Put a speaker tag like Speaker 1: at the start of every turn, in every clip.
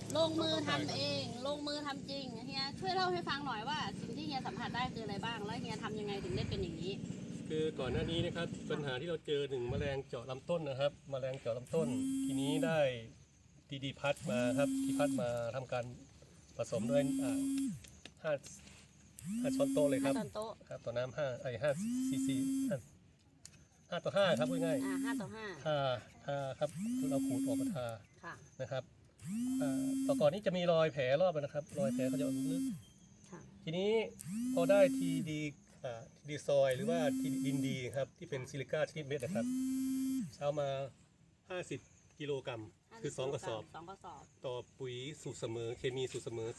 Speaker 1: ลงมือทำเองลงมือทำจริงเฮียช่วยเล่าให้ฟังหน่อยว่าสิ่งที่เฮียสัมผัสได้คืออะไรบ้างแล้วเฮียทำยังไงถึงได้เป็นอย่างนี้
Speaker 2: คือก่อนหน้านี้นะครับปัญหาที่เราเจอหนึ่งแมลงเจาะลำต้นนะครับแมลงเจาะลำต้นทีนี้ได้ดีพัดมาครับที่พัดมาทำการผสมด้วยห้าช้อนโต๊ะเลยครับ
Speaker 1: 5 ช้อนโต๊ะ
Speaker 2: ครับต่อน้ำ5 ซีซี5 ต่อ 5ครับพูดง่าย
Speaker 1: 5 ต่อ 5
Speaker 2: ทาครับเราขูดออกมาทา
Speaker 1: ค่ะ
Speaker 2: นะครับต่อก่อนนี้จะมีรอยแผลรอบนะครับรอยแผลเขาจะลึกทีนี้พอได้ทีดีซอยหรือว่าทีดินดีครับที่เป็นซิลิก้าชนิดเม็ดนะครับเช้ามา50 กิโลกรัมคือ2 กระสอบต่อปุ๋ยสูตรเสมอเคมีสูตรเสมอ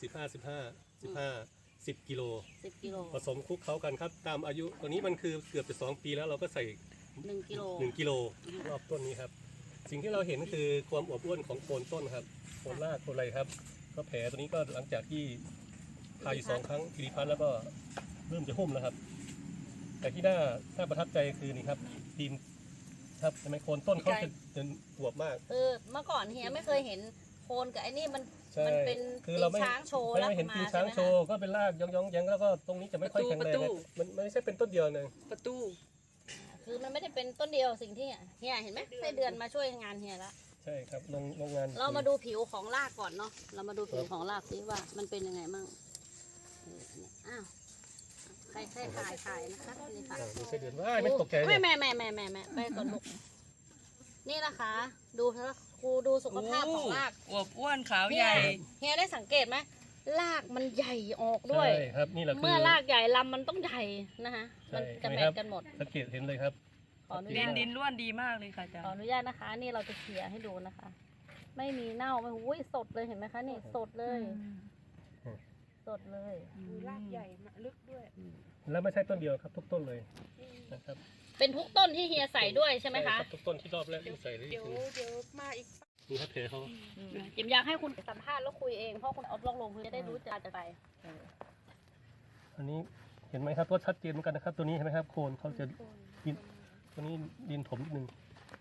Speaker 2: 10 กิโลผสมคลุกเคล้ากันครับตามอายุตัวนี้มันคือเกือบจะ2 ปีแล้วเราก็ใส่1 กิโลรอบต้นนี้ครับสิ่งที่เราเห็นคือความอวบอ้วนของโคนต้นครับโคนรากโคนอะไรครับก็แผลตัวนี้ก็หลังจากที่ทาอยู่2 ครั้งทีดีพัดแล้วก็เริ่มจะหุ้มแล้วครับแต่ที่น่าประทับใจคือนี่ครับทีมครับทำไมโคนต้นเขาจะอวบมาก
Speaker 1: เมื่อก่อนเฮียไม่เคยเห็นโคนกับไอ้นี่มันเป็น
Speaker 2: คือเราไม่
Speaker 1: ช้างโชว์
Speaker 2: ไม่เห็นตีนช้างโชว์ก็เป็นรากย่องๆแล้วก็ตรงนี้จะไม่ค่อยแข็งแรงมันไม่ใช่เป็นต้นเดียวเลย
Speaker 3: ประตู
Speaker 1: คือมันไม่ได้เป็นต้นเดียวสิ่งที่เฮียเห็นไหมไส้เดือนมาช่วยงานเฮียแล้ว
Speaker 2: ใช่ครับโรงงาน
Speaker 1: เรามาดูผิวของรากก่อนเนาะเรามาดูผิวของรากสิว่ามันเป็นยังไงมั่งอ้าวใครถ่ายนะคะนี่ค่ะ
Speaker 2: ดูไส้เดือนว่าไม่ตกใจ
Speaker 1: แม่ไปก่อนลูกนี่นะคะดูครูดูสุขภาพของราก
Speaker 3: อวบอ้วนขาวใหญ่
Speaker 1: เฮียได้สังเกตไหมรากมันใหญ่ออกด้วย
Speaker 2: ใช่ครับนี่แหละ
Speaker 1: เมื่อรากใหญ่ลำมันต้องใหญ่นะคะมันจะแมทกันหมด
Speaker 2: สังเกตเห็นเลยครับ
Speaker 1: ขออนุญาต
Speaker 3: ดินร่วนดีมากเลยค่ะอาจารย์
Speaker 1: ขออนุญาตนะคะนี่เราจะเขี่ยให้ดูนะคะไม่มีเน่าไม่หุ้ยสดเลยเห็นไหมคะนี่สดเลยสดเลย
Speaker 3: รากใหญ่ลึกด้วย
Speaker 2: แล้วไม่ใช่ต้นเดียวครับทุกต้นเลยนะครับ
Speaker 1: เป็นทุกต้นที่เฮียใส่ด้วยใช่ไหมคะ
Speaker 2: ทุกต้นที่รอบแรกที่ใส่
Speaker 3: เดี๋ยวมาอีก
Speaker 2: นี่ครับเพลเขา
Speaker 1: จิมอยากให้คุณสัมภาษณ์แล้วคุยเองเพราะคุณเอาลงพื้นจะได้รู้จะไป
Speaker 2: อันนี้เห็นไหมครับว่าชัดเจนเหมือนกันนะครับตัวนี้เห็นไหมครับโคนเขาจะดินตัวนี้ดินถมนิดนึง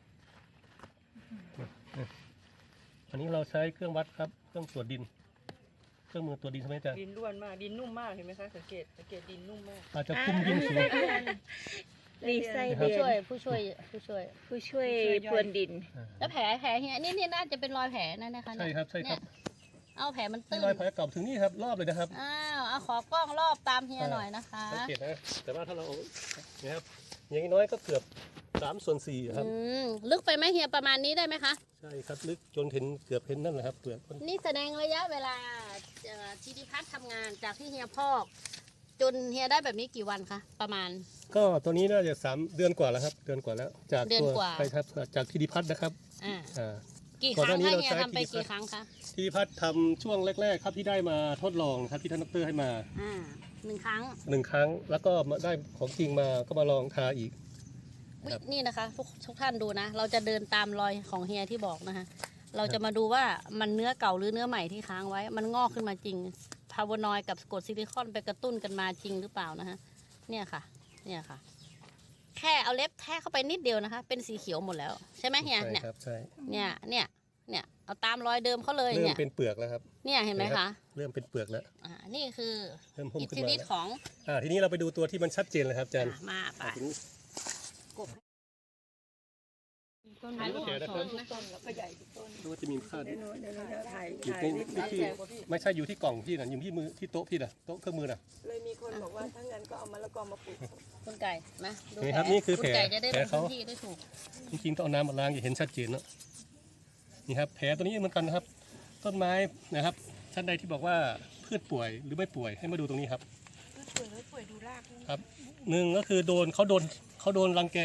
Speaker 2: อันนี้เราใช้เครื่องวัดครับเครื่องตรวจดินเครื่องมือตรวจดินใช่ไหมจ๊ะ
Speaker 3: ดินร่วนมากดินนุ่มมากเห็นไหมคะสังเกตดินนุ่มมาก
Speaker 2: อาจจะคุมดินสูง
Speaker 1: รีไซเดือนผู้ช่วย
Speaker 3: พรวนดิน
Speaker 1: แล้วแผลเฮียนี่น่าจะเป็นรอยแผลนั่นนะคะ
Speaker 2: ใช่ครับ
Speaker 1: เอาแผลมันตื้น
Speaker 2: รอยแผลเก่าถึงนี่ครับรอบเลยนะครับ
Speaker 1: เอาขอกล้องรอบตามเฮียหน่อยนะคะ
Speaker 2: สังเกตนะแต่ว่าถ้าเราเนี่ยครับอย่างน้อยก็เกือบ3/4ครับ
Speaker 1: ลึกไปไหมเฮียประมาณนี้ได้ไหมคะ
Speaker 2: ใช่ครับลึกจนเห็นเกือบเห็นนั่นแหละครับเปลือก
Speaker 1: นี่แสดงระยะเวลาทีดีพัฒน์ทำงานจากที่เฮียพอกจนเฮียได้แบบนี้กี่วันคะประมาณ
Speaker 2: ก็ตัวนี้น่าจะ3 เดือนกว่าแล้วครับเดือนกว่าแล้วจากตัวไปครับจากทีดีพัฒน์นะครับ
Speaker 1: กี่ครั้งคะเฮียทำไปกี่ครั้งคะ
Speaker 2: ทีดีพัฒน์ทำช่วงแรกๆครับที่ได้มาทดลองครับที่ท่านดร.ให้มา
Speaker 1: 1 ครั้
Speaker 2: งแล้วก็มาได้ของจริงมาก็มาลองทาอีก
Speaker 1: นี่นะคะทุกท่านดูนะเราจะเดินตามรอยของเฮียที่บอกนะคะเราจะมาดูว่ามันเนื้อเก่าหรือเนื้อใหม่ที่ค้างไว้มันงอกขึ้นมาจริงพาวานอยด์กับกรดซิลิคอนไปกระตุ้นกันมาจริงหรือเปล่านะฮะเนี่ยค่ะแค่เอาเล็บแทะเข้าไปนิดเดียวนะคะเป็นสีเขียวหมดแล้วใช่ไหมเฮียเนี่ย
Speaker 2: ใช่
Speaker 1: เนี่ยเอาตามรอยเดิมเขาเลย
Speaker 2: เนี่ยเริ่มเป็นเปลือกแล้วครับ
Speaker 1: เนี่ยเห็นไหมคะ
Speaker 2: เริ่มเป็นเปลือกแล้ว
Speaker 1: นี่คืออิทธิฤทธิ์ของ
Speaker 2: ทีนี้เราไปดูตัวที่มันชัดเจนเลยครับอาจารย์
Speaker 1: มาไป
Speaker 3: ต้นลูกต้นแล้วก็ใหญ่ต้น
Speaker 2: ดูว่าจะมีค่า
Speaker 3: ถ่าย
Speaker 2: ที่ไม่ใช่อยู่ที่กล่องพี่นะอยู่ที่มือที่โต๊ะพี่นะโต๊ะเครื่องมือนะ
Speaker 3: เลยมีคนบอกว่าถ้างั้นก็เอามะละกอมาปลูก
Speaker 1: คุณไก่นะดู
Speaker 2: แผลนี่คือแผล
Speaker 1: จะได้ลงพื้นที่ได้ถูก
Speaker 2: จริงๆต้องเอาน้ำมาล้างจะเห็นชัดเจนเนาะนี่ครับแผลตัวนี้เหมือนกันนะครับต้นไม้นะครับท่านใดที่บอกว่าพืชป่วยหรือไม่ป่วยให้มาดูตรงนี้ครับ
Speaker 3: พืชป่วยหรือป่วยดูราก
Speaker 2: ครับ1ก็คือเขาโดนรังแก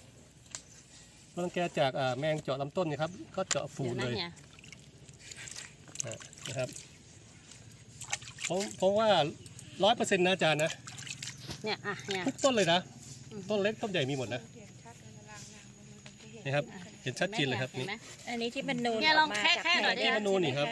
Speaker 2: จากแมงเจาะลำต้นนะครับก็เจาะฝูเลยนะครับเพราะว่า100%นะอาจารย์นะ
Speaker 1: เนี่ย
Speaker 2: ทุกต้นเลยนะต้นเล็กต้นใหญ่มีหมดนะนี่ครับเห็นชัดเจนเลยครับนี่
Speaker 3: อันนี้ที่มันนูน
Speaker 1: เนี่ยลองแค่หน่อย
Speaker 2: ที่มันนูนนี่ครับ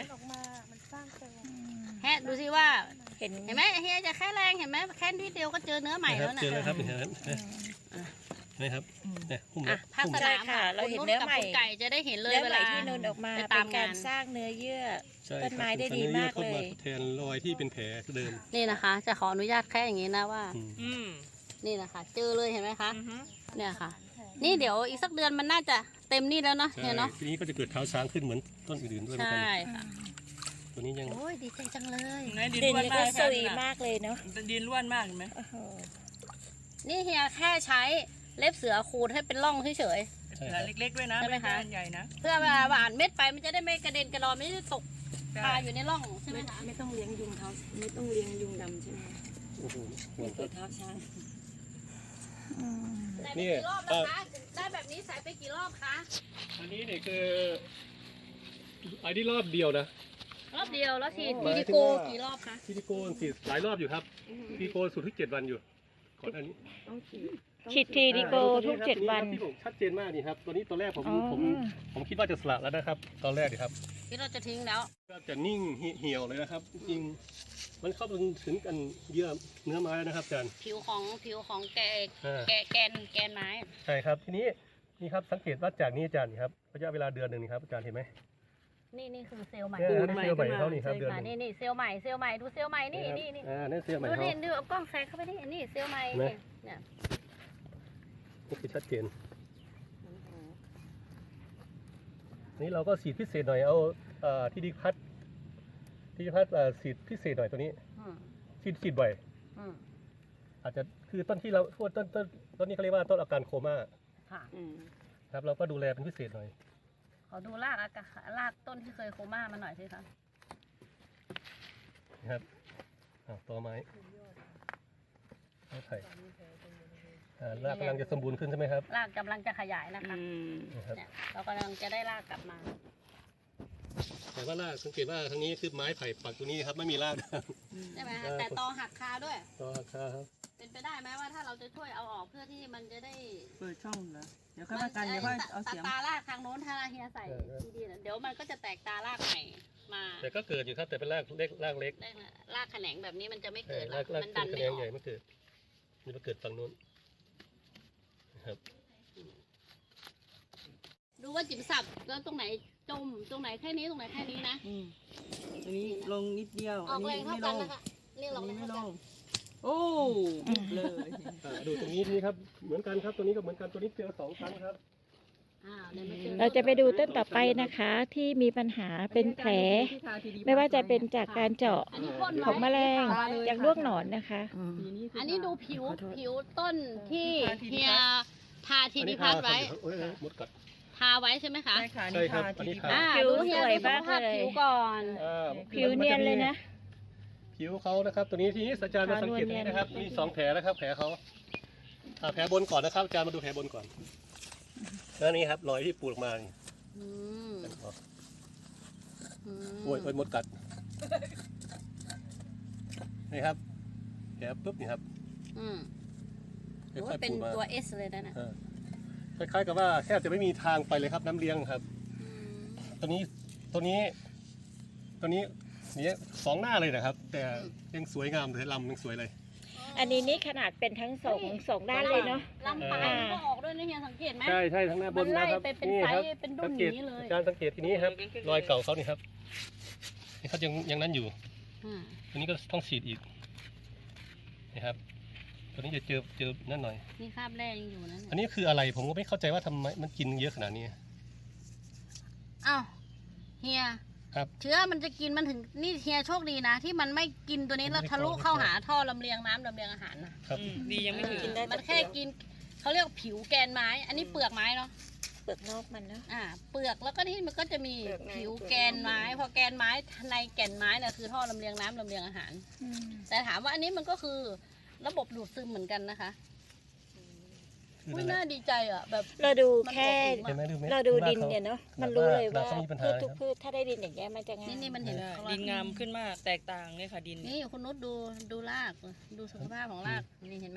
Speaker 1: แค่ดูสิว่าเห็นไหมเฮียจะแค่แรงเห็นไหมแค่นิดเดียวก็เจอเนื้อใหม่แล้วนะ
Speaker 2: เจอแล้วครับเห็นไหมนะครับเนี่ยหุ้ม
Speaker 1: อ่ะภาคส
Speaker 4: ใช่
Speaker 1: นาม
Speaker 4: ค่ะ
Speaker 1: อ่ะ
Speaker 4: เราเห็น
Speaker 1: คุณ
Speaker 4: เนื้อ
Speaker 1: กับ
Speaker 4: ใหม่
Speaker 1: คุณไก่จะได้เห็นเลย
Speaker 4: เนื้อ
Speaker 1: เว
Speaker 4: ใหม่
Speaker 1: ลา
Speaker 4: ที่นูนออกมา
Speaker 1: ไป
Speaker 4: เป็
Speaker 1: ตาม
Speaker 4: นการ
Speaker 1: งาน
Speaker 4: สร้างเนื้อเยื่อ
Speaker 2: ใช่
Speaker 4: ต้นไม้ได้ดีมาก
Speaker 2: เข้า
Speaker 4: เล
Speaker 2: มาย ทดแทนรอยที่เป็นแผลเดิม
Speaker 1: นี่นะคะ จะขออนุญาตแค่อย่างนี้นะว่า
Speaker 2: อืม
Speaker 4: อืม
Speaker 1: นี่นะคะ เจอเลยเห็นไหมคะ
Speaker 4: อือฮึ
Speaker 1: เนี่ยค่ะ นี่เดี๋ยวอีกสักเดือนมันน่าจะเต็มนี่แล้วเนาะ
Speaker 2: ใช่
Speaker 1: เนี่ยเนาะ
Speaker 2: ทีนี้ก็จะเกิดเท้าช้างขึ้นเหมือนต้นอื่นๆด้วยเหมือน
Speaker 1: ใช่
Speaker 2: กัน
Speaker 1: ค่ะ
Speaker 2: ตัวนี้ยัง
Speaker 1: โอ้ยดีใจจังเลย
Speaker 4: ดินก็สวยมากเลยเนาะ
Speaker 3: ดินร่วนมากเห็นไหม
Speaker 4: โอ้โห
Speaker 1: นี่เฮียแค่ใช้เล็บเสือขูดให้เป็นร่องเฉย
Speaker 2: ใช่ครับ
Speaker 3: เล็กๆด้วยนะ
Speaker 1: ใช่ไหมคะ
Speaker 3: ด้ใหญ่นะ
Speaker 1: ๆเพื่อเวลาหวานเม็ดไปมันจะได้ไม่กระเด็นกระดอนไม่ได้ตกคาอยู่ในร่องใช่ไหมคะ
Speaker 5: ไม่ต้องเลี้ยงยุงเท้าไม่ต้องเลี้ยงยุงดำใช่ไหม
Speaker 2: โอ้โหห่วง
Speaker 5: ตัวเท้าช้าง
Speaker 1: ได้ไป
Speaker 2: นี่
Speaker 1: กี่รอบแล้วคะได้แบบนี้ใส่ไปกี่รอบคะ
Speaker 2: อันนี้เนี่ยคืออันนี้รอบเดียวนะ
Speaker 1: รอบเดียวแล้วฉีด
Speaker 2: หมาย
Speaker 1: วิ
Speaker 2: ถึ
Speaker 1: ดี
Speaker 2: ง
Speaker 1: โก
Speaker 2: ว่า
Speaker 1: กี่รอบคะ
Speaker 2: ซิลิโคนฉีดหลายรอบอยู่ครับซิลิโคนสูตรที่7 วันอยู่ก่อนอันนี้
Speaker 5: ต้องฉีด
Speaker 4: ฉีดทีดีโกทุก 7 วัน
Speaker 2: ที่ผมชัดเจนมากนี่ครับตัวนี้ตัวแรกผม
Speaker 4: อ๋อ
Speaker 2: ผมคิดว่าจะสละแล้วนะครับ ตอนแรกนี่ครับ
Speaker 1: ที่เราจะทิ้งแล้ว
Speaker 2: ก็จะนิ่งเหี่ยวเลยนะครับจริงมันเข้าไปถึงกันเยื่อเนื้อไม้แล้วนะครับอาจารย์
Speaker 1: ผิวของแก
Speaker 2: อ่า
Speaker 1: แกนไม้
Speaker 2: ใช่ครับทีนี้นี่ครับสังเกตว่าจากนี้อาจารย์นี่ครับระยะเวลาเดือนหนึ่งนี่ครับอาจารย์เห็นไหม
Speaker 1: นี่คือเซลล์ใหม่
Speaker 2: เนี่ยนี่เซลล์ใหม่เขานี่ครับเดือนห
Speaker 1: อ่า
Speaker 2: นึ่ง
Speaker 1: นี่เซลล์ใหม่ดูเซลล์ใหม่นี่
Speaker 2: นั่นเซลล์ใหม่
Speaker 1: ดู
Speaker 2: เขา
Speaker 1: นี่ดูเอากล้องแซงเข้าไปนี่เซลล์ใหม่
Speaker 2: เห็นไหม
Speaker 1: เนี่ย
Speaker 2: นี่คือชัดเจนนี่เราก็ฉีดพิเศษหน่อยเอาที่ดิพัดฉีดพิเศษหน่อยตัวนี้
Speaker 1: อืม
Speaker 2: ฉีดบ่อย
Speaker 1: อืม
Speaker 2: อาจจะคือต้นที่เราพูดต้นนี้เขาเรียกว่าต้นอาการโคม่า
Speaker 1: ค่ะ
Speaker 2: ครับเราก็ดูแลเป็นพิเศษหน่อย
Speaker 1: ขอดูรากต้นที่เคยโคม่ามาหน่อยสิคะ
Speaker 2: นะครับต่อไม้ไผ่รากกำลังจะสมบูรณ์ขึ้นใช่ไหมครับ
Speaker 1: รากกำลังจะขยายนะคะ
Speaker 2: นะครับ
Speaker 1: เนี่ยเรากำลังจะได้รากกลับมา
Speaker 2: แต่ว่ารากสังเกตว่าทางนี้คือไม้ไผ่ปักตัวนี้ครับไม่มีราก
Speaker 1: ใช่ไหมคะแต่ตอหักคาด้วย
Speaker 2: ต่อราคาครับ
Speaker 1: เป็นไปได้ไหมว่าถ้าเราจะช่วยเอาออกเพื่อที่มันจะได้
Speaker 3: เปิดช่องเหรอเดี๋ยวค่อยมากันเดี๋ยวค่อยเอาเสียง
Speaker 1: ตารากทางโน้นถ้าเฮียใส่ดีๆนะเดี๋ยวมันก็จะแตกตารากใหม่มา
Speaker 2: แต่ก็เกิดอยู่ครับแต่เป็นรากเล็กรากเล็ก
Speaker 1: ได้นะรากแขนงแบบนี้มันจะไม่
Speaker 2: ใช่
Speaker 1: เกิดหร
Speaker 2: รา
Speaker 1: อก
Speaker 2: ก
Speaker 1: มันดัน
Speaker 2: คะ
Speaker 1: ไม่
Speaker 2: แน
Speaker 1: อน
Speaker 2: ใหญ่
Speaker 1: อก
Speaker 2: ไม่เกิดนี่มาเกิดฝั่งนู้นนะครับ
Speaker 1: ดูว่าจิ๋มสับแล้วตรงไหนจมตรงไหนแค่นี้ตรงไหนแค่นี้นะ
Speaker 3: อันนี้ลงนิดเดียว
Speaker 1: ออกแรงเท่า
Speaker 3: ไม่ล
Speaker 1: กัน
Speaker 3: ง
Speaker 1: นะคะนี่
Speaker 3: อั
Speaker 1: เรา
Speaker 3: น
Speaker 1: ไม่
Speaker 3: นี้ไม่
Speaker 1: เท่า
Speaker 3: ล
Speaker 1: กัน
Speaker 3: งโอ้เลย
Speaker 2: ดูตรงนี้นี่ครับเหมือนกันครับตัวนี้ก็เหมือนกันตัวนี้เจอ2 ครั้งครับ
Speaker 1: เดี๋ยวมาเจอ
Speaker 4: เราจะไปดูต้นต่อไปนะคะ ที่มีปัญหาเป็นแผล ไม่ว่าจะเป็นจากการเจาะ
Speaker 1: อันนี้พ่นไว้
Speaker 4: ของแมลงจากด้วงหนอนนะคะ
Speaker 1: อันนี้ดูผิวต้นที่เฮียทาทีนิพัทไว้
Speaker 2: หมดกัด
Speaker 1: ทาไว้ใช่ไหมคะ
Speaker 3: ใช่ค่ะ
Speaker 2: ใช่
Speaker 3: นี่
Speaker 2: ครับ
Speaker 3: ทา
Speaker 2: อันนี้
Speaker 3: ที
Speaker 2: ทา
Speaker 3: ดี
Speaker 4: ผิว
Speaker 1: ดูเฮีย
Speaker 4: สวย
Speaker 1: ดูส
Speaker 4: มาก
Speaker 1: ภาพ
Speaker 4: เลย
Speaker 1: ผิวก่อน
Speaker 4: ผิวเนียนเลยนะ
Speaker 2: ผิวเขานะครับตัวนี้ที่อาจารย์มาสังเกตนี้นะครับมี2 แผลนะครับแผลเขาแผลบนก่อนนะครับอาจารย์มาดูแผลบนก่อนแล้วนี่ครับรอยที่ปูดออกมานี่
Speaker 1: อืมอืม
Speaker 2: โอ้ยมดกัดนี่ครับแผลปุ๊บนี่ครับ
Speaker 1: อืม
Speaker 2: ค่
Speaker 1: โอ้
Speaker 2: อย ย
Speaker 1: เป็น
Speaker 2: ๆปูดมา
Speaker 1: ตัว S เลยนะน่ะ
Speaker 2: คล้ายๆกับว่าแทบจะไม่มีทางไปเลยครับน้ำเลี้ยงครับ
Speaker 1: อืม
Speaker 2: ตัวนี้นี่2 หน้าเลยนะครับ แต่ยังสวยงามเลยลำยังสวยเลย
Speaker 4: อันนี้นี่ขนาดเป็นทั้งสองด้านเลยเนาะ
Speaker 1: ลำปลายมันก็ออกด้วยนะเฮียสังเกตไหม
Speaker 2: ใช่ใช่ทั้งหน้าบน
Speaker 1: มันไล่
Speaker 2: นะครับ
Speaker 1: ไปเป็น
Speaker 2: นี่
Speaker 1: ไซส์
Speaker 2: ครับ
Speaker 1: เป็นดุ้น
Speaker 2: สังเกต
Speaker 1: อย่างนี้เลย
Speaker 2: การสังเกตทีนี้ครับรอยเก่าเขานี่ครับนี่เขายังนั้นอยู่
Speaker 1: อ่า
Speaker 2: ตัวนี้ก็ต้องฉีดอีกนะครับตัวนี้จะเจอนั่นหน่อย
Speaker 1: นี่คราบแรกยังอยู่นะ
Speaker 2: อันนี้คืออะไรผมก็ไม่เข้าใจว่าทำไมมันกินเยอะขนาดนี้
Speaker 1: อ้าวเฮีย
Speaker 2: ครับ
Speaker 1: เชื้อมันจะกินมันถึงนี่เฮียโชคดีนะ ที่มันไม่กินตัวนี้แล้วทะลุเข้าหาท่อลำเลียงน้ำลำเลียงอาหารนะครับ
Speaker 3: ดียังไม่ถึง
Speaker 4: กินได้
Speaker 1: มันแค่กินเขาเรียกผิวแกนไม้ อันนี้เปลือกไม้เนาะ
Speaker 4: เปลือกนอกมันเนาะ
Speaker 1: เปลือกแล้วก็ที่มันก็จะมีผิวแกนไม้ พอแกนไม้ในแก่นไม้เนี่ยคือท่อลำเลียงน้ำลำเลียงอาหาร แต่ถามว่าอันนี้มันก็คือระบบดูดซึมเหมือนกันนะคะ
Speaker 2: คือ
Speaker 1: อุ้ย
Speaker 2: นั่นแห
Speaker 1: น่า
Speaker 2: ละ
Speaker 1: ดีใจอ่ะแบบ
Speaker 4: เราดู
Speaker 1: มัน
Speaker 4: แค่
Speaker 1: อบอุ่น
Speaker 2: เห็นไหมดูไหม
Speaker 4: เราดูดินเนี่ยเนาะมันรู้เลยว่า
Speaker 2: เขามีปัญหา
Speaker 4: พืชทุกพืชถ้าได้ดินอย่างเงี้ยมันจะงาม
Speaker 1: นี่มันเห็น
Speaker 3: ดินงามขึ้นมากแตกต่างเลยค่ะดิน
Speaker 1: นี่คุณนุชดูรากดูสุขภาพของรากนี่เห็นไหม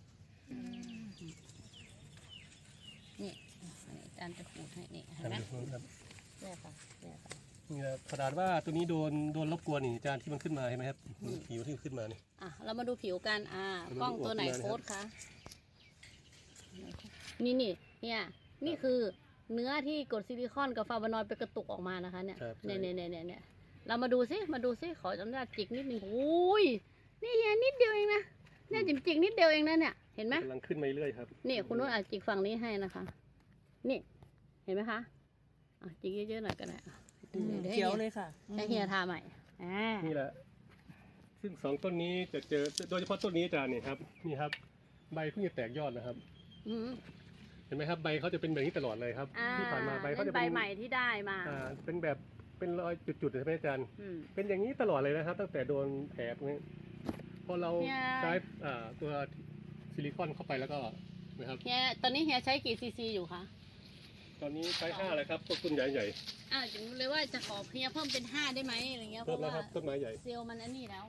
Speaker 1: นี่อาจารย์จะขูดให้นี่เห็นไหม
Speaker 2: ครับ
Speaker 4: เนี่ยค่ะเนี่ยค่ะ
Speaker 2: นี่ครับขนาดว่าตัวนี้โดนรบกวนนี่อาจารย์ที่มันขึ้นมาเห็นไหมครับผิวที่ขึ้นมานี่
Speaker 1: เรามาดูผิวกันกล้องตัวไหนโค้ดคะนี่เนี่ยนี่คือเนื้อที่กรดซิลิคอนกับฟลาโวนอยด์ไปกระตุกออกมานะคะเนี่ย
Speaker 2: ครับ
Speaker 1: เนี่ยเรามาดูซิขออนุญาตจิกนิดนึงโอ้ยนี่เฮียนิดเดียวเองนะเนี่ยจิกนิดเดียวเองนะเนี่ยเห็นไหม
Speaker 2: กำลังขึ้นมาเรื่อยครับ
Speaker 1: นี่คุณนุ่นอาจจิกฝั่งนี้ให้นะคะ นี่เห็นไหมคะจิกเยอะๆหน่อยก็ได้
Speaker 3: เขียวเลยค่ะ
Speaker 1: ให้เฮียทาใหม่
Speaker 2: นี่แหละซึ่งสองต้นนี้จะเจอโดยเฉพาะต้นนี้อาจารย์นี่ครับนี่ครับใบเพิ่งจะแตกยอดนะครับ
Speaker 1: อืม
Speaker 2: เห็นไหมครับใบเขาจะเป็นแบบนี้ตลอดเลยครับที่ผ่านมาใบเขาจะ
Speaker 1: ใบ
Speaker 2: เป็น
Speaker 1: ใหม่ที่ได้มา
Speaker 2: เป็นแบบเป็นรอยจุดๆใช่ไหมอาจารย์
Speaker 1: อืม
Speaker 2: เป็นอย่างนี้ตลอดเลยนะครับ ตั้งแต่โดนแผลพวกนี้พอเรา
Speaker 1: เนี่ย
Speaker 2: ใช้ตัวซิลิคอนเข้าไปแล้วก็นะครับ
Speaker 1: เฮียตอนนี้เฮียใช้กี่ซีซีอยู่คะ
Speaker 2: ตอนนี้ใช้5เลยครับต้นใหญ่
Speaker 1: จึงเลยว่าจะขอเฮียเพิ่มเป็น5ได้ไหมอะไรเงี้ย
Speaker 2: ๆ
Speaker 1: เพ
Speaker 2: เพิ่ม
Speaker 1: ราะ
Speaker 2: แล้ว
Speaker 1: ว่า
Speaker 2: ครับต้นไม้ใหญ่
Speaker 1: เซลล์มันอันนี้แล้ว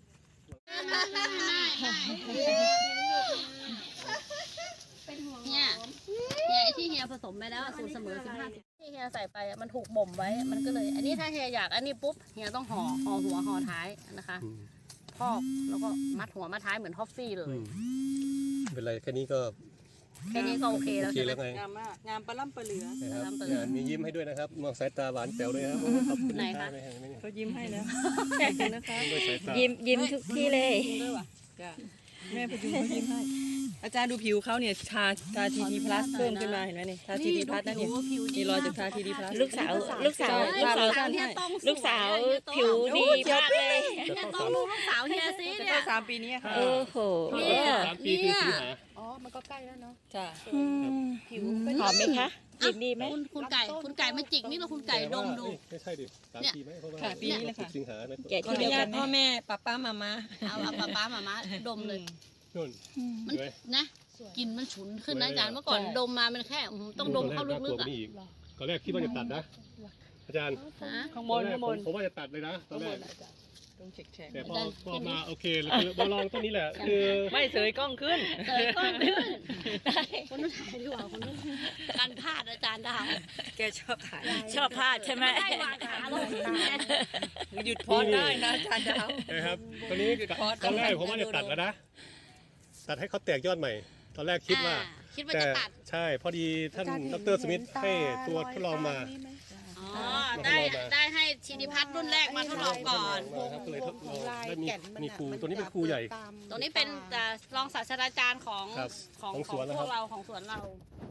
Speaker 1: เฮียไอ้ที่เฮียผสมไปแล้วสูตรเสมอ15ที่เฮียใส่ไปมันถูกบ่มไว้มันก็เลย อันนี้ถ้าเฮียอยากอันนี้ปุ๊บเฮียต้องห่อหัวห่อท้ายนะคะ
Speaker 2: อืม
Speaker 1: พอกแล้วก็มัดหัวมัดท้ายเหมือนท็อฟฟี่เลย
Speaker 2: ไม่เป็นไรแค่นี้ก็
Speaker 1: แค่นี้ก็โอเค
Speaker 2: โอ
Speaker 1: แล้ว
Speaker 2: เค
Speaker 1: ใช่ไหม
Speaker 2: แล้วไง
Speaker 3: งามมากงามปลาล่ำปลาเหลือ
Speaker 2: นะครับ
Speaker 1: เปิด
Speaker 2: มียิ้มให้ด้วยนะครับมองสายตาหวานแป๋วเลยครับขอบคุณ
Speaker 1: ไหนคะ
Speaker 2: ไม่ให้ไม่ให้
Speaker 3: เขายิ้มให้แล้วขอบคุณนะคะ
Speaker 2: ด้วยสายตา
Speaker 4: ยิ้มทุกที่เลย
Speaker 3: จ้ะแม่พยุงเขายิ้มให้ อาจารย์ดูผิวเขาเนี่ยทาทีดีพลัสเพิ่มขึ้นมาเห็นไหมเนี่ยทาทีดีพลัสนะเนี่ยมีรอยจากทาทีดีพลัส
Speaker 4: ลูกสาว
Speaker 1: เนี่ยต้อง
Speaker 4: ลูกสาวผิวดีมากเลย
Speaker 1: เนี่ยต้องลูกสาวเฮียซิ
Speaker 3: จะ
Speaker 1: เนี่
Speaker 3: เข้าย 3 ปีนี้ค่ะ
Speaker 4: โอ้โห
Speaker 1: เนี่ย
Speaker 2: 3 ปีคือสิงหา
Speaker 3: อ๋อมันก็ใกล้แล้วเนาะ
Speaker 4: จ้ะ
Speaker 3: ผิว
Speaker 4: หอมไหมคะกลิ่นดีไหม
Speaker 1: คุณไก่มาจิกนี่เราคุณไก่ดมดู
Speaker 2: ไม่ใช่ดิ3 ปีไหมเพราะว่า
Speaker 3: ค่ะปีนี้เลยค่ะ
Speaker 2: สิงหาไหม
Speaker 4: แกะ
Speaker 3: ขอ
Speaker 4: ที่
Speaker 3: อ
Speaker 4: เดี
Speaker 3: นุ
Speaker 4: ยว
Speaker 3: ญา
Speaker 4: กั
Speaker 3: ต
Speaker 4: นไหม
Speaker 3: พ่อแม่ป้ามา
Speaker 1: เอาป๊ามาดมเลย
Speaker 2: นู่น
Speaker 1: มัน
Speaker 2: เห็นไหม
Speaker 1: นะกลิ่นมันฉุนขึ้นนะอาจารย์เมื่อก่อนดมมามันแค่ต้องดมเข้าลึกๆอ่ะ
Speaker 2: ตอนแรกคิดว่าจะตัดนะ อาจารย์
Speaker 3: ข้างบน
Speaker 2: ผมว่าจะตัดเลยนะตอนแรก
Speaker 3: ต้องเช็ค
Speaker 2: แต่พอมาโอเคคือมาลองต้นนี้แหละคือ
Speaker 3: ไม่เสยกล้องขึ้น
Speaker 1: เสยก้อนขึ้นคุณนุ่นถ่ายดีกว่าคุณนุ่นการพลาดอาจารย์ดาว
Speaker 3: แกชอบถ่าย
Speaker 4: ชอบพลาดใช่ไหม
Speaker 1: ได้วางขาลง
Speaker 3: หยุดพอดได้นะอาจารย์ดาว
Speaker 2: นะครับตอนนี้ตอนแรกผมว่าจะตัดแล้วนะ ตัดให้เขาแตกยอดใหม่ ตอนแรกคิดว่า
Speaker 1: คิดว่า
Speaker 2: แต่
Speaker 1: จะตัด
Speaker 2: ใช่พอดีท่านดรสมิธให้ตัวทดลองมา
Speaker 1: อ๋อได้ให้ชินิพัฒน์รุ่นแรกมาทดลองก่อน
Speaker 2: มาครับก็เลยทดลองได้มีครูตัวนี้เป็นครูใหญ่
Speaker 1: ตัวนี้เป็นรองศาสตราจารย์ของ
Speaker 2: ครับ
Speaker 1: ของ
Speaker 2: ของสวน
Speaker 1: พ
Speaker 2: นะครั
Speaker 1: ว
Speaker 2: บ
Speaker 1: กเราของสวนเรา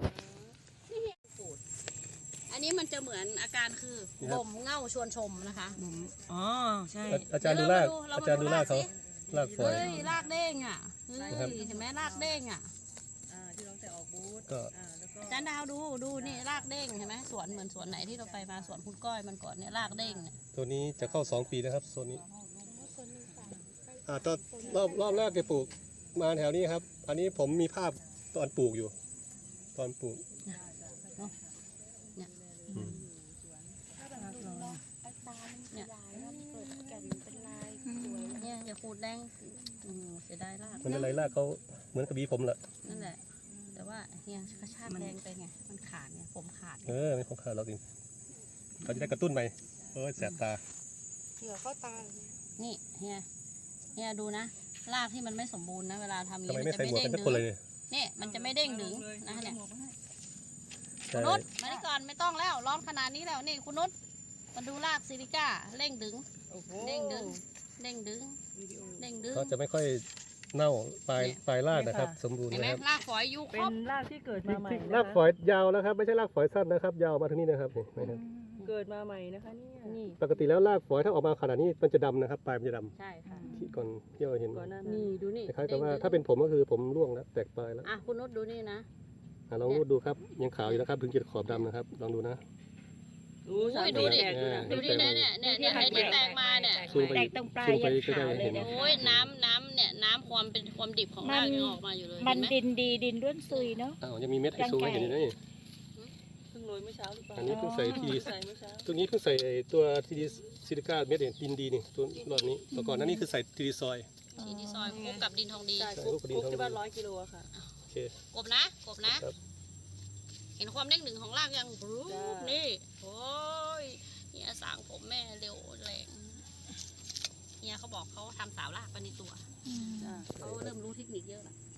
Speaker 1: อันนี้มันจะเหมือนอาการคือบ่มเง่าชวนชมนะคะ
Speaker 3: อ๋อใช่
Speaker 2: อาจารย์ดูรากอาจารย์ดูรากเขารากฝอย
Speaker 1: เฮ้ยรากเด้งอ่ะเฮ้ย
Speaker 2: ครับ
Speaker 1: เห็นไหมรากเด้งอ่ะ
Speaker 3: ที่เราแต่ออกบูธ
Speaker 2: ก็
Speaker 3: แล้วก็
Speaker 1: อาจารย์ดาวดูนี่รากเด้งเห็นไหมสวนเหมือนสวนไหนที่เราไปมาสวนคุณก้อยมันก่อนเนี่ยรากเด้งเนี่ย
Speaker 2: ตัวนี้จะเข้า2 ปีนะครับโซนนี้ตอนรอบแรกจะปลูกมาแถวนี้ครับ อันนี้ผมมีภาพตอนปลูกอยู่ ตอนปลูกอืม
Speaker 1: เนี่ยอย่าขูดแดงเสียดายราก
Speaker 2: มันอะไรรากเขาเหมือนกับบีผมแหละ
Speaker 1: นั่นแหละ แต่ว่าเฮียกระชากแรงไปไงมันขาดไงผมขาด
Speaker 2: ไม่ของขาดเราเองเขาจะได้กระตุ้นไปแสบตา
Speaker 3: เหงื่อเข้าตา
Speaker 1: นี่เฮียดูนะรากที่มันไม่สมบูรณ์นะเวลาทำ
Speaker 2: ทำไม
Speaker 1: นี้
Speaker 2: ไม่
Speaker 1: จะ
Speaker 2: ใส่
Speaker 1: ไม่
Speaker 2: หมวก
Speaker 1: เด้
Speaker 2: กั
Speaker 1: ง
Speaker 2: นทุก
Speaker 1: ดึ
Speaker 2: คน
Speaker 1: ง
Speaker 2: เลยเนี่ย
Speaker 1: นี่มันจะไม่เด้งดึงนะเนี่ย
Speaker 2: ใช่
Speaker 1: คุณนุชมานี่ก่อนไม่ต้องแล้วร้อนขนาดนี้แล้วนี่คุณนุชมาดูรากซิลิก้าเร่งดึง
Speaker 3: โอ้โห
Speaker 1: เด้งดึงเด้งดึงเด้งดึง
Speaker 2: เขาจะไม่ค่อยเน่าปลายรากนะครับ สมบูรณ์
Speaker 1: เห็นไหม
Speaker 2: นะครับ
Speaker 1: รากฝอยยูค
Speaker 3: เป็
Speaker 1: รบ
Speaker 3: นรากที่เกิดมาใหม่
Speaker 2: รากฝอยยาวแล้วครับไม่ใช่รากฝอยสั้นนะครับ ยาวมาทางนี้นะครับนี่นะครับ
Speaker 3: เกิดมาใหม่นะคะเนี่ย
Speaker 1: นี่
Speaker 2: ปกติแล้วรากฝอยถ้าออกมาขนาดนี้มันจะดำนะครับปลายมันจะด
Speaker 1: ใช่ค่ะ
Speaker 2: ำที่ก่อนที่เราเห็น
Speaker 3: ก่อนหน้า
Speaker 1: นี่ดูนี่
Speaker 2: คล้ายๆกับว่าถ้าเป็นผมก็คือผมร่วงแล้วแตกปลายแล้ว
Speaker 1: อ่ะคุณนุชดูนี่นะ
Speaker 2: ลองรูดดูครับยังขาวอยู่นะครับ ถึงจะขอบดำนะครับลองดูนะ
Speaker 1: ดูดิ ดูดิเนี่ยไอ้ที่แตกมาเนี่ย
Speaker 2: ซูมไป
Speaker 4: แตกตรงปลาย
Speaker 2: ซูมไป
Speaker 4: ยัง
Speaker 2: ก็ได้
Speaker 4: ขาวเลย
Speaker 2: เห็น
Speaker 4: นะ
Speaker 1: โอ้ยน้ำเนี่ยน้ำความเป็นความดิบของรากยังออกมาอยู่เลย
Speaker 4: มัน
Speaker 1: เห็นไหม
Speaker 4: ดินดีดินร่วนซุยเนาะ
Speaker 2: ยังมีเม็ดให้ซูมให้เห็นอยู่นะนี่
Speaker 3: เพิ่งโรยเมื่อเช้าหรือเปล่า
Speaker 2: อันนี้เพิ่งใส่ที
Speaker 3: ใส่เมื่อเช้า
Speaker 2: ตัวนี้เพิ่งใส่ไอ้ตัวทีดีซิลิก้าเม็ดเนี่ยดินดีนี่ตัวรอบนี้แต่ก่อนหนั้นนี่คือใส่ทีดีซอย
Speaker 1: ทีดีซอยคลุกกับดินทองดี
Speaker 3: ใช่คุกที่บ้าน100 กิโลอะค่ะ
Speaker 2: โอเค
Speaker 1: กบนะครับ เห็นความเด้งดึงของรากยังบรู๊
Speaker 3: จ้า
Speaker 1: นี่โอ้ยเฮียสางผมแม่เร็วแรงเฮียเขาบอกเขาทำสาวรากไปในตัว
Speaker 3: จ้ะ
Speaker 1: เขาเริ่มรู้เทคนิคเยอะละ